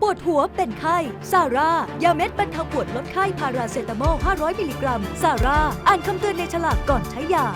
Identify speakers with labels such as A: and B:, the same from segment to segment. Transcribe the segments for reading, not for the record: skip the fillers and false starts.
A: วดหัวเป็นไข้ซาร่ายาเม็ดบรรเทาปวดลดไข้พาราเซตามอล 500 มิลลิกรัมซาร่าอ่านคำเตือนในฉลากก่อนใช้ยา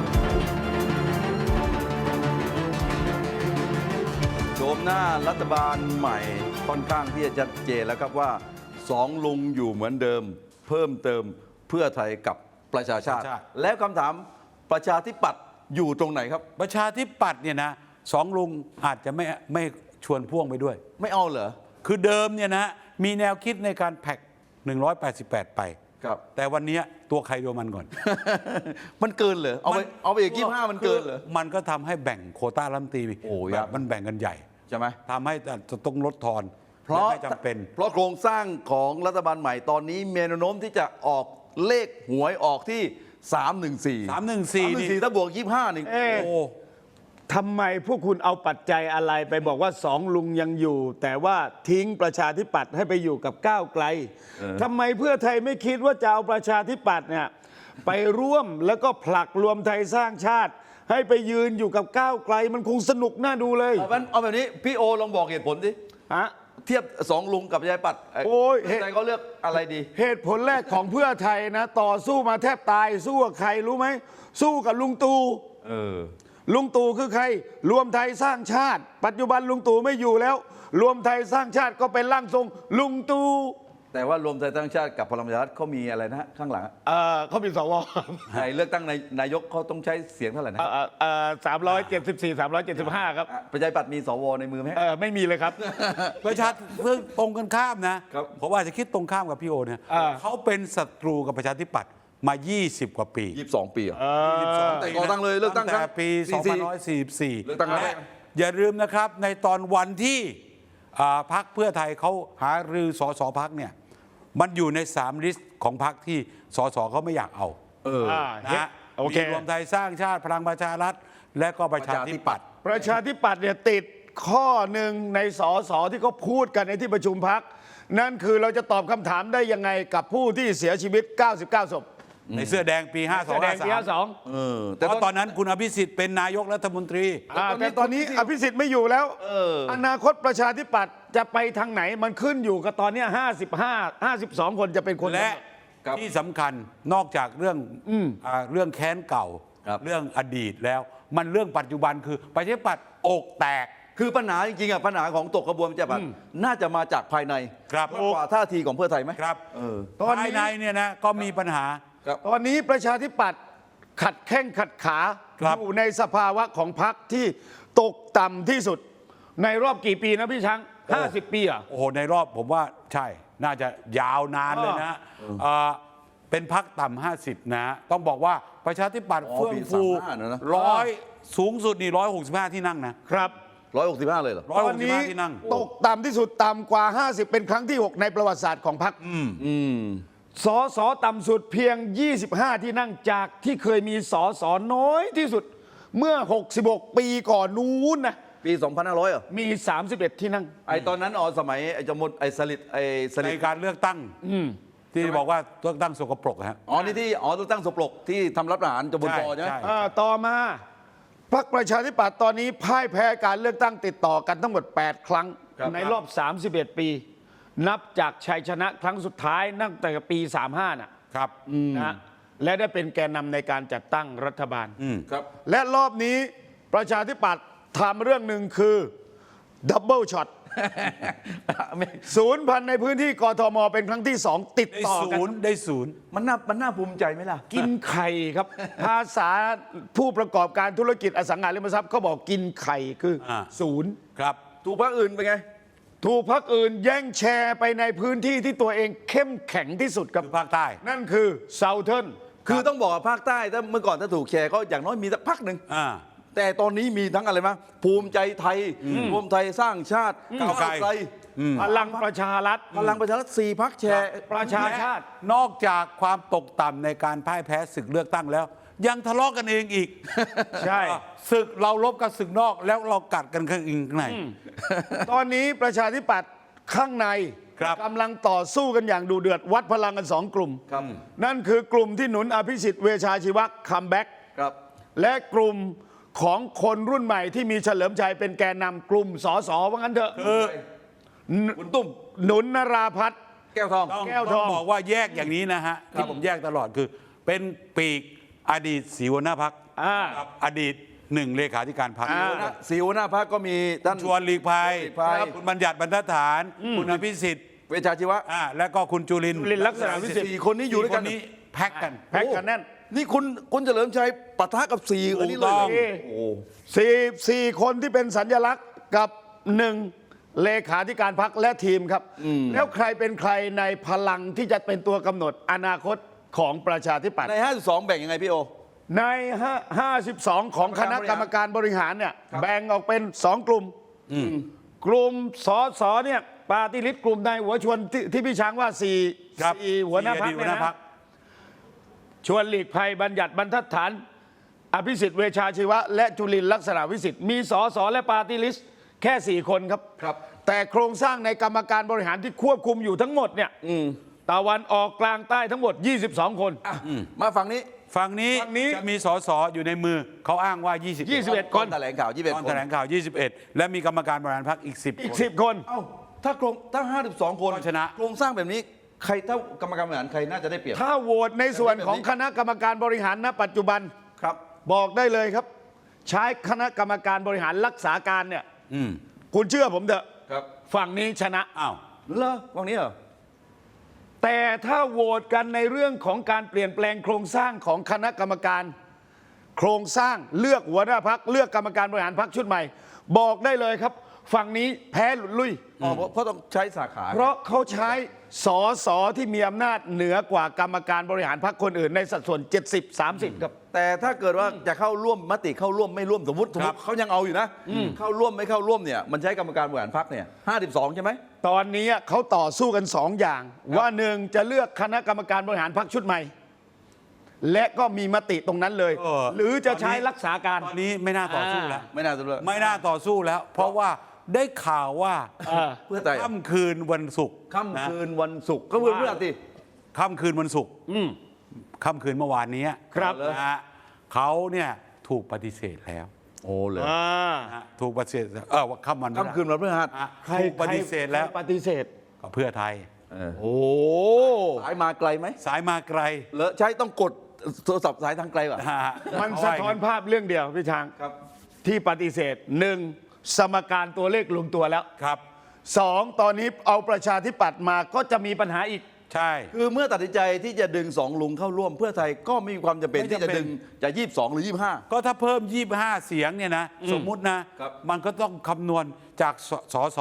B: โฉมหน้ารัฐบาลใหม่ค่อนข้างที่จะชัดเจนแล้วครับว่าสองลุงอยู่เหมือนเดิม เพิ่มเติมเพื่อไทยกับประชาชาติ แล้วคำถามประชาธิปัตย์อยู่ตรงไหนครับ
C: ประชาธิปัตย์เนี่ยนะสองลุงอาจจะไม่ชวนพ่วงไปด้วย
B: ไม่เอาเหรอ
C: คือเดิมเนี่ยนะมีแนวคิดในการแพ็ก188 ไป
B: ครับ
C: แต่วันนี้ตัวใครตัวมันก่อน
B: มันเกินเหรอเอาไปอีก25มันเกินเหรอ
C: มันก็ทำให้แบ่งโควต้ารัฐมนตรีแบบมันแบ่งกันใหญ่
B: ใช่ไหม
C: ทำให้จะต้องลดทอน
B: เพราะ
C: ไม่จำเป็น
B: เพราะโครงสร้างของรัฐบาลใหม่ตอนนี้มีแนวโน้มที่จะออกเลขหวยออกที่314ถ้าบวก25นี่
C: โอ้
D: ทำไมพวกคุณเอาปัจจัยอะไรไปบอกว่าสองลุงยังอยู่ แต่ว่าทิ้งประชาธิปัตย์ให้ไปอยู่กับก้าวไกลทำไมเพื่อไทยไม่คิดว่าจะเอาประชาธิปัตย์เนี่ยไปร่วมแล้วก็ผลักรวมไทยสร้างชาติให้ไปยืนอยู่กับก้าวไกลมันคงสนุกน่าดูเลย
B: เอาแบบนี้พี่โอลองบอกเหตุผลสิเทียบสองลุงกับประชาธิปัตย์
D: โอ้ย
B: ใจเขาเลือกอะไรดี
D: เหตุผลแรกของเพื่อไทยนะต่อสู้มาแทบตายสู้กับใครรู้ไหมสู้กับลุงตู่ลุงตู่คือใครรวมไทยสร้างชาติปัจจุบันลุงตู่ไม่อยู่แล้วรวมไทยสร้างชาติก็เป็นร่างทรงลุงตู่
B: แต่ว่ารวมไทยสร้างชาติกับพลังประชารัฐเขามีอะไรนะข้างหลัง
D: เขามีสว
B: ในเลือกตั้งนายกเขาต้องใช้เสียงเท่าไหร่นะ
D: 374 375ครับ
B: ประชาธิปัตย์มีสวในมือไหม
D: ไม่มีเลยครับ
C: ประชาเพิ่งตรงกันข้ามนะผมว่าจะคิดตรงข้ามกับพี่โอเนี่ยเขาเป็นศัตรูกับประชาธิปัตย์มา20 กว่าปี
B: 22 ปีแต่ก่อตั้งเลยเลือกตั้ง
C: แต่ปี2544
B: เลือกตั้งแล้ว
C: อย่าลืมนะครับในตอนวันที่พรรคเพื่อไทยเขาหารือสสพรรคเนี่ยมันอยู่ใน3ลิสต์ของพรรคที่สสเขาไม่อยากเอานะมีรวมไทยสร้างชาติพลังประชารัฐและก็ประชาธิปัตย์
D: เนี่ยติดข้อหนึ่งในสสที่เขาพูดกันในที่ประชุมพรรคนั่นคือเราจะตอบคำถามได้ยังไงกับผู้ที่เสียชีวิต99 ศพ
C: ในเสื้อแดงปี52แต่ตอนนั้นคุณอภิสิทธิ์เป็นนายกรัฐมนตรี
D: แต่ตอนนี้อภิสิทธิ์ไม่อยู่แล้วอนาคตประชาธิปัตย์จะไปทางไหนมันขึ้นอยู่กับตอนนี้52 คนจะเป็นคน
C: และที่สำคัญนอกจากเรื่องแค้นเก่าเรื่องอดีตแล้วมันเรื่องปัจจุบันคือประชาธิปัตย์อกแตก
B: คือปัญหาจริงๆปัญหาของตกกระบวนการแบบน่าจะมาจากภายในมากกว่าท่าทีของเพื่อไทยไหม
C: ครับภายในเนี่ยนะก็มีปัญหา
D: ตอนนี้ประชาธิปัตย์ขัดแข้งขัดขาอยู่ในสภาวะของพรรคที่ตกต่ำที่สุดในรอบกี่ปีนะพี่ช้าง50 ปีอ่ะ
C: โอ้โหในรอบผมว่าใช่น่าจะยาวนานเลยนะเป็นพรรคต่ำ50นะต้องบอกว่าประชาธิปัตย์เฟื่องฟูสูงสุดนี่165ที่นั่ง
D: นะครับ
B: 165เลยเหรอ
D: ตอนนี้ตกต่ำที่สุดต่ำกว่า50เป็นครั้งที่6ในประวัติศาสตร์ของพรรคสสต่ำสุดเพียง25ที่นั่งจากที่เคยมีสสน้อยที่สุดเมื่อ66 ปีก่อนนู้นนะ
B: ปี2500เหรอ
D: มี31ที่นั่ง
B: ตอนนั้นสมัยจมดสลิด
C: ในการเลือกตั้งที่บอกว่าเลือกตั้งสกปรกฮะ
B: นี่ที่เลือกตั้งสกปรกที่ทำรัฐประหารจมดใช่ไหม
D: ต่อมาพรรคประชาธิปัตย์ตอนนี้พ่ายแพ้การเลือกตั้งติดต่อกันทั้งหมด8 ครั้งในรอบ31 ปีนับจากชัยชนะครั้งสุดท้ายตั้งแต่ปี35
C: นะครับ
D: นะและได้เป็นแกนนำในการจัดตั้งรัฐบาล
B: ครับ
D: และรอบนี้ประชาธิปัตย์ทำเรื่องหนึ่งคือดับเบิลช็อตศูนย์พันในพื้นที่กทมเป็นครั้งที่2ติดต่อกัน
C: ได้ศูนย์
B: มันน่าภูมิใจไหมล่ะ
D: กินไข่ครับภาษาผู้ประกอบการธุรกิจอสังหาริมทรัพย์เขาบอกกินไข่คือศูนย์
C: ครับ
B: ถูกพรรคอื่นเป็นไง
D: ถูกพรรคอื่นแย่งแชร์ไปในพื้นที่ที่ตัวเองเข้มแข็งที่สุดกับ
C: ภาคใต้
D: นั่นคือเซาเทิร์น
B: คือต้องบอกว่าภาคใต้ถ้าเมื่อก่อนถ้าถูกแชร์ก็อย่างน้อยมีสักพรรคหนึ่งแต่ตอนนี้มีทั้งอะไรมั้ยภูมิใจไทยรวมไทยสร้างชาติก้าวไกล
D: พลังประชารัฐ
B: 4 พรรคแชร์
D: ประชาชาติ
C: นอกจากความตกต่ำในการพ่ายแพ้ศึกเลือกตั้งแล้วยังทะเลาะกันเองอีก
D: ใช่
C: ศึกเราลบกับศึกนอกแล้วเรากัดกันข้างใน
D: ตอนนี้ประชาธิปัตย์ข้างในกำลังต่อสู้กันอย่างดูเดือดวัดพลังกัน2 กลุ่มนั่นคือกลุ่มที่หนุนอภิสิทธิ์เวชชาชีวะคัมแบ็กและกลุ่มของคนรุ่นใหม่ที่มีเฉลิมชัยเป็นแกนนำกลุ่มสสว่างั้นเถอะ
B: คุณตุ้ม
D: หนุนนราพัฒน์
B: แก้วทอง
C: ต้อง
D: แก้วทอง
C: ต้องบอกว่าแยกอย่างนี้นะฮะที่ผมแยกตลอดคือเป็นปีกอดีตสีหัวหน้าพัก กับอดีตหนึ่งเลขาธิการพรรค
B: สีหัวหน้าพักก็มีท่าน
C: ชวนหลีกภัย
B: ชวนหลีกภัย
C: คุณบัญญัติบรรทัดฐาน คุณอภิสิทธิ์
B: เวชชาชีวะ
C: และก็คุณจุลินทร์
D: จุลินทร์ลักษณะวิสิทธิ์
B: 4 คนนี้อยู่ด้วยกัน
C: 4 นี้แพ็กกัน
D: แพ็กกันแน่น
B: นี่คุณเฉลิมชัยปะทะกับ4อันนี้เลย
C: ถูกต้อง
B: เหรอโอ้
D: สี่คนที่เป็นสัญลักษณ์กับหนึ่งเลขาธิการพรรคและทีมครับ แล้วใครเป็นใครในพลังที่จะเป็นตัวกำหนดอนาคตของประชาธิปัตย์
B: ใน 52 แบ่งยังไงพี่โอ
D: ใน 52 ของคณะกรรมการบริหารเนี่ยแบ่งออกเป็น 2 กลุ่ม กลุ่มสสเนี่ยปาร์ตี้ลิสต์กลุ่มนายหัวชวนที่พี่ช้างว่า4
C: ครับ
D: หัวหน้าพรรค
C: หั
D: เนี่
C: วย หน้าพรร
D: นะ
C: ค
D: ชวนหลีกภัยบัญญัติบรรทัดฐาน อภิสิทธิ์เวชชาชีวะ และจุลินทร์ลักษณะวิสิทธิ์มีสสและปาร์ตี้ลิสต์แค่ 4 คนครับ
B: ครับ
D: แต่โครงสร้างในกรรมการบริหารที่ควบคุมอยู่ทั้งหมดเนี่ยตะวันออกกลางใต้ทั้งหมด 22 คน
B: มาฝั่งนี้
C: ฝั่งนี้
D: ฝั่งนี้
C: จะมีสสอยู่ในมือเขาอ้างว่า
D: 21
B: ก่อนแถลงข่าว
C: ตอน
B: 21 ค
C: แถ
B: น
C: ลงข่าว 21 และมีกรรมการบริหารพรรคอีก 10
D: อีก
C: คน
D: 10 คน
B: เอ้าถ้า 52 คน
C: ก็ชนะ
B: โครงสร้างแบบนี้ใครเท่ากรรมการบริหารใครน่าจะได้เปรียบ
D: ถ้าโหวตในส่วนของคณะกรรมการบริหารณปัจจุบัน
B: ครับ
D: บอกได้เลยครับ ใช้คณะกรรมการบริหารรักษาการเนี่ย
C: อืม
D: คุณเชื่อผมเถอะ
B: ครับ
D: ฝั่งนี้ชนะ
C: อ้าว
B: เหรอฝั่งนี้เหรอ
D: แต่ถ้าโหวตกันในเรื่องของการเปลี่ยนแปลงโครงสร้างของคณะกรรมการ โครงสร้างเลือกหัวหน้าพักเลือกกรรมการบริหารพักชุดใหม่ บอกได้เลยครับ ฝั่งนี้แพ้หลุดลุย
B: อ๋อเพราะต้องใช้สาขา
D: เพราะเขาใช้สอสอที่มีอำนาจเหนือกว่ากรรมการบริหารพักคนอื่นในสัดส่วน 70-30 ครับ
B: แต่ถ้าเกิดว่าจะเข้าร่วมมติเข้าร่วมไม่ร่วมสมมติเขายังเอาอยู่นะ เข้าร่วมไม่เข้าร่วมเนี่ยมันใช้กรรมการบริหารพรรคเนี่ย52 ใช่ไหม
D: ตอนนี้เขาต่อสู้กันสองอย่าง ว่าหนึ่งจะเลือกคณะกรรมการบริหารพรรคชุดใหม่ และก็มีมติตรงนั้นเลย หรือจะใช้รักษาการ
C: ตอนนี้ไม่น่าต่อสู้แล้ว
B: ไม่น่าจะเลย
C: ไม่น่าต่อสู้แล้ว เพราะว่าได้ข่าวว่า
B: เพื่อไทย
C: ค่ำคืนวันศุกร์
B: ค่ำคืนวันศุกร์ก็เพื่อนเพื่อนติ
C: ค่ำคืนวันศุกร์ค่ำคืนเมื่อวานนี้
D: ครับ
C: นะฮะเขาเนี่ยถูกปฏิเสธแล้ว
B: โอ้เลย
C: นะฮะถูกปฏิเสธว่าค่ำวัน
B: ค่ำคืนวันพฤหัส
C: ถูกปฏิเสธแล้ว
D: ใครปฏิเสธ
C: ก็เพื่อไทย
D: โอ้
B: สายมาไกลไหม
C: สายมาไกล
B: เลอะใช้ต้องกดโทรศัพท์สายทางไกลป่ะ
C: นะฮะ
D: มันสะท้อนภาพเรื่องเดียวพี่ช้าง
B: ครับ
D: ที่ปฏิเสธหนึ่งสมการตัวเลขลงตัวแล้ว
C: ครับ
D: สองตอนนี้เอาประชาธิปัตย์มาก็จะมีปัญหาอีก
C: ใช่
B: คือเมื่อตัดสินใจที่จะดึง2 ลุงเข้าร่วมเพื่อไทยก็ไม่มีความจำเป็น
C: ไม่
B: ที่
C: จำเป็น
B: จะดึงจะ22 หรือ 25
C: ก็ถ้าเพิ่ม 25 เสียงเนี่ยนะ สมมุตินะ
B: ครับ
C: มันก็ต้องคำนวณจากสส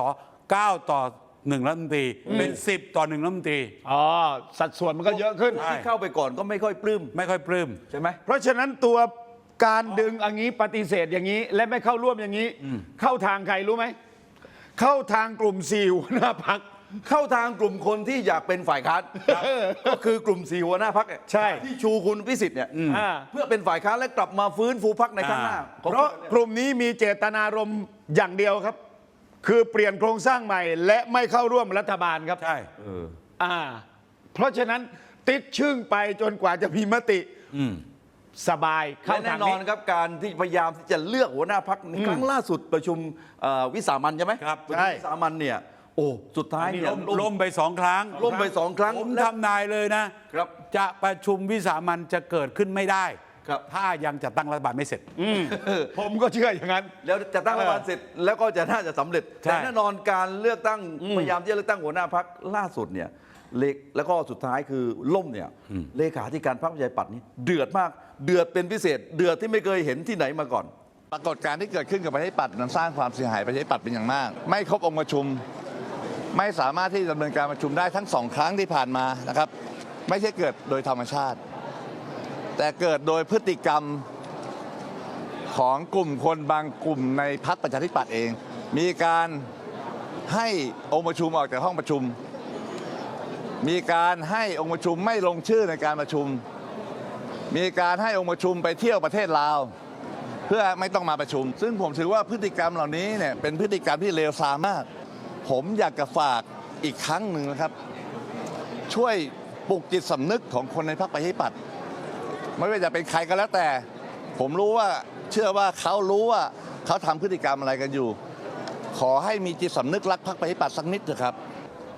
C: 9 ต่อ 1 รัฐมนตรี เป็น 10 ต่อ 1 รัฐมนตรี
D: อ๋อ สัดส่วนมันก็เยอะขึ้น
C: ใช่
B: ที่เข้าไปก่อนก็ไม่ค่อยปลื้ม
C: ไม่ค่อยปลื้ม
B: ใช่ไหม
D: เพราะฉะนั้นตัวการดึงอย่างนี้ปฏิเสธอย่างนี้ และไม่เข้าร่วมอย่างนี้ เข้าทางใครรู้ไหม เข้าทางกลุ่ม4หัวหน้าพัก
B: เข้าทางกลุ่มคนที่อยากเป็นฝ่ายค้านก็คือกลุ่ม4หัวหน้าพัก
D: ใช่
B: ที่ชูคุณพิสิทธิ์เนี่ย
D: อ่า
B: เพื่อเป็นฝ่ายค้านและกลับมาฟื้นฟูพักในข้างหน้า
D: เพราะกลุ่มนี้มีเจตนารมณ์อย่างเดียวครับ คือเปลี่ยนโครงสร้างใหม่ และไม่เข้าร่วมรัฐบาลครับ
C: ใช่
D: เพราะฉะนั้นติดชึ่งไปจนกว่าจะมีมติสบายเข้า
B: และแน่
D: ทาง
B: นอ
D: นี้
B: นครับการที่พยายามที่จะเลือกหัวหน้าพักครั้งล่าสุดประชุมวิสามัญใช่ไหม
C: ครับ
B: ประชุมวิสามัญเนี่ยโอ้สุดท้ายเนี่ย
C: ล่มไป 2 ครั้ง
B: ล่มไปสองครั้ง
C: ผม
B: และ
C: ทำนายเลยนะ
B: ครับ
C: จะประชุมวิสามันจะเกิดขึ้นไม่ได้
B: ครับ
C: ถ้ายังจะตั้งรัฐบาลไม่เสร็จ
D: ผมก็เชื่ออย่างนั้น
B: แล้วจะตั้งรัฐบาลเสร็จแล้วก็จะน่าจะสำเร็จ
C: ใช่
B: แต่แน่นอนการเลือกตั้งพยายามที่จะเลือกตั้งหัวหน้าพักล่าสุดเนี่ยแล้วก็สุดท้ายคือล่มเนี่ยเลขาธิการพรรคประชาธิปัตย์นี่เดือดมากเดือดเป็นพิเศษ เดือดที่ไม่เคยเห็นที่ไหนมาก่อน
E: ปรากฏการณ์ที่เกิดขึ้นกับประชาธิปัตย์นั้นสร้างความเสียหายประชาธิปัตย์เป็นอย่างมาก ไม่ครบองค์ประชุม ไม่สามารถที่จะดำเนินการประชุมได้ทั้งสองครั้งที่ผ่านมานะครับ ไม่ใช่เกิดโดยธรรมชาติ แต่เกิดโดยพฤติกรรมของกลุ่มคนบางกลุ่มในพรรคประชาธิปัตย์เอง มีการให้องค์ประชุมออกจากห้องประชุม มีการให้องค์ประชุมไม่ลงชื่อในการประชุม มีการให้องค์ประชุมไปเที่ยวประเทศลาว เพื่อไม่ต้องมาประชุม ซึ่งผมถือว่าพฤติกรรมเหล่านี้เนี่ยเป็นพฤติกรรมที่เลวทรามมาก ผมอยากจะฝากอีกครั้งหนึ่งนะครับ ช่วยปลุกจิตสำนึกของคนในพรรคประชาธิปัตย์ไม่ว่าจะเป็นใครก็แล้วแต่ ผมรู้ว่าเชื่อว่าเขารู้ว่าเขาทำพฤติกรรมอะไรกันอยู่ ขอให้มีจิตสำนึกรักพรรคประชาธิปัตย์สักนิดเถอะครับ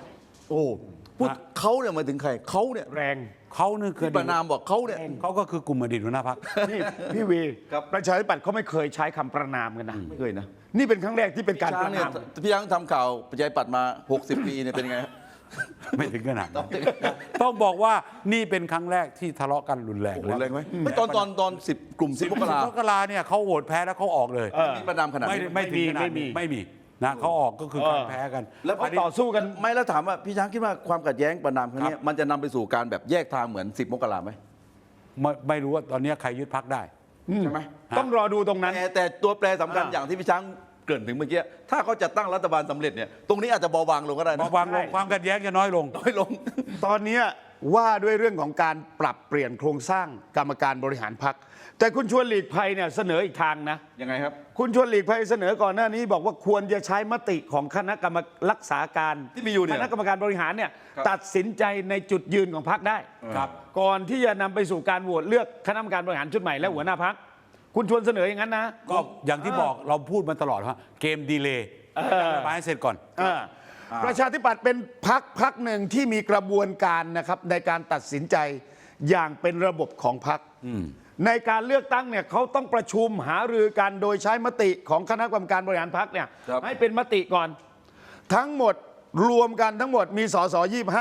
B: โอ้พูดเขาเนี่ยหมายถึงใครเขาเนี่ย
D: แรง
C: เขานี่คือ
B: ที่ประนามบอกเขาเนี่ย
C: เขาก็คือกลุ่มอดีตหัวหน้าพรรค
D: นี่พี่วี
B: ครับ
D: ประชาธิปัตย์เขาไม่เคยใช้คำประนามกันนะ
B: ไม่เคยนะ
D: นี่เป็นครั้งแรกที่เป็นการ
B: ช้า
D: ป
B: ง
D: ระ
B: เนี่ย
D: นาม
B: พี่ช้างทำข่าวประชาธิปัตย์มา 60 ปีเนี่ยเป็นไงฮะ
C: ไม่ถึงขนาดนั้นต้องบอกว่านี่เป็นครั้งแรกที่ทะเลาะกันรุนแรง
B: โอ้โหแรงไหมไม่ตอน10 กลุ่ม 10 มกรา
C: มกราเนี่ยเขาโหวตแพ้แล้วเขาออกเลย
B: มีประนามขนาด
C: ไม่
B: นี้
C: ไม่ถึงขนาด
D: ไม่มี
C: นี้ไม่มีนะเขาออกก็คือการแพ้กัน
B: แล้ว
D: เขาต่อสู้กัน
B: ไม่แล้วถามว่าพี่ช้างคิดว่าความขัดแย้งประนามครั้งนี้มันจะนำไปสู่การแบบแยกทางเหมือน 10 มกราไหม
C: ไม่รู้ว่าตอนนี้ใครยึดพรรคได้
B: ใช่ไหม
D: ต้องรอดูตรงนั้น
B: แต่ตัวแปรสำคัญ
D: อ่า
B: อย่างที่พี่ช้างเกริ่นถึงเมื่อกี้ถ้าเขาจะตั้งรัฐบาลสำเร็จเนี่ยตรงนี้อาจจะเบาบางลงก็ได้นะ
C: วางลงความขัดแย้งจะน้อยลง
B: น้อยลง
D: ตอนเนี้ยว่าด้วยเรื่องของการปรับเปลี่ยนโครงสร้างกรรมการบริหารพรรคแต่คุณชวนหลีกภัยเนี่ยเสนออีกทางนะ
B: ยังไงครับ
D: คุณชวนหลีกภัยเสนอก่อนหน้านี้บอกว่าควรจะใช้มติของคณะกรรมรักษาการ
B: ที่มีอยู่เนี่ย
D: คณะกรรมการบริหารเนี่ย
B: ครับ
D: ตัดสินใจในจุดยืนของพรรคได้
C: ครับ
D: ก่อนที่จะนำไปสู่การโหวตเลือกคณะกรรมการบริหารชุดใหม่และหัวหน้าพรรคคุณชวนเสนออย่างนั้นนะ
C: ก็อย่างที่บอกเราพูดมาตลอดว่าเกมดีเลย์รัฐบาลให้เสร็จก่อน
D: ประชาธิปัตย์เป็นพรรคหนึ่งที่มีกระบวนการนะครับในการตัดสินใจอย่างเป็นระบบของพรรคในการเลือกตั้งเนี่ยเขาต้องประชุมหารือกันโดยใช้มติของคณะกรรมการบริหารพรรคเนี่ย
B: ครับ
D: ให้เป็นมติก่อน ทั้งหมดรวมกันทั้งหมดมีสส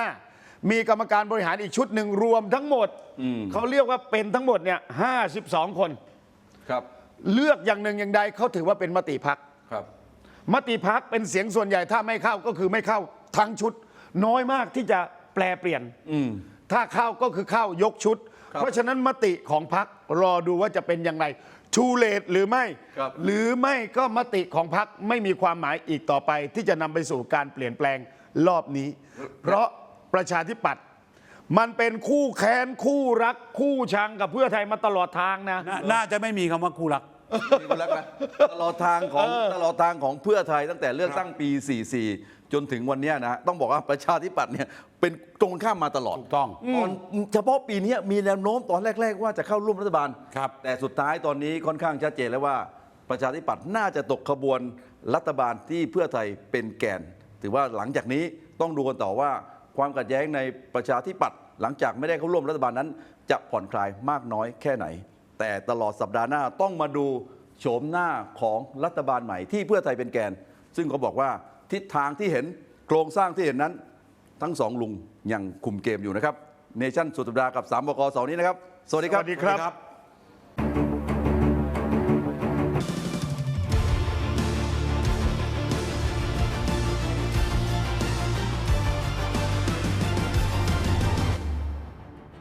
D: 25มีกรรมการบริหารอีกชุดหนึ่งรวมทั้งหมดเขาเรียกว่าเป็นทั้งหมดเนี่ย52 คน
B: ครับ
D: เลือกอย่างหนึ่งอย่างใดเขาถือว่าเป็นมติพรรค
B: ครับ
D: มติพักเป็นเสียงส่วนใหญ่ถ้าไม่เข้าก็คือไม่เข้าทั้งชุด น้อยมากที่จะแปลเปลี่ยนถ้าเข้าก็คือเข้ายกชุด
B: ครับ
D: เพราะฉะนั้นมติของพักรอดูว่าจะเป็นอย่างไรชูเลตหรือไม่
B: ครับ
D: หรือไม่ก็มติของพักไม่มีความหมายอีกต่อไป ที่จะนำไปสู่การเปลี่ยนแปลงรอบนี้ เพราะประชาธิปัตย์มันเป็นคู่แค้นคู่รักคู่ชังกับเพื่อไทยมาตลอดทางนะ
C: น่าจะไม่มีคำว่าคู่รัก
B: มีคนรักนะตลอดทางของเพื่อไทยตั้งแต่เลือกตั้งปี 44 จนถึงวันเนี้ยนะฮะต้องบอกว่าประชาธิปัตย์เนี่ยเป็นตรงข้ามมาตลอด
C: ถูกต้อง
B: ตอนเฉพาะปีนี้มีแนวโน้มตอนแรก ๆ ว่าจะเข้าร่วมรัฐบาล
C: ครับ
B: แต่สุดท้ายตอนนี้ค่อนข้างชัดเจนแล้วว่าประชาธิปัตย์น่าจะตกขบวนรัฐบาลที่เพื่อไทยเป็นแกน ถือว่าหลังจากนี้ต้องดูกันต่อว่าความขัดแย้งในประชาธิปัตย์หลังจากไม่ได้เข้าร่วมรัฐบาลนั้น จะผ่อนคลายมากน้อยแค่ไหน แต่ตลอดสัปดาห์หน้าต้องมาดูโฉมหน้าของรัฐบาลใหม่ที่เพื่อไทยเป็นแกน ซึ่งเขาบอกว่าทิศทางที่เห็นโครงสร้างที่เห็นนั้น ทั้งสองลุงยังคุมเกมอยู่นะครับเนชั่นสุดสัปดาห์กับ3 บก.เสาร์นี้นะครับ สวัสดีครับ
D: สวัสดีครับ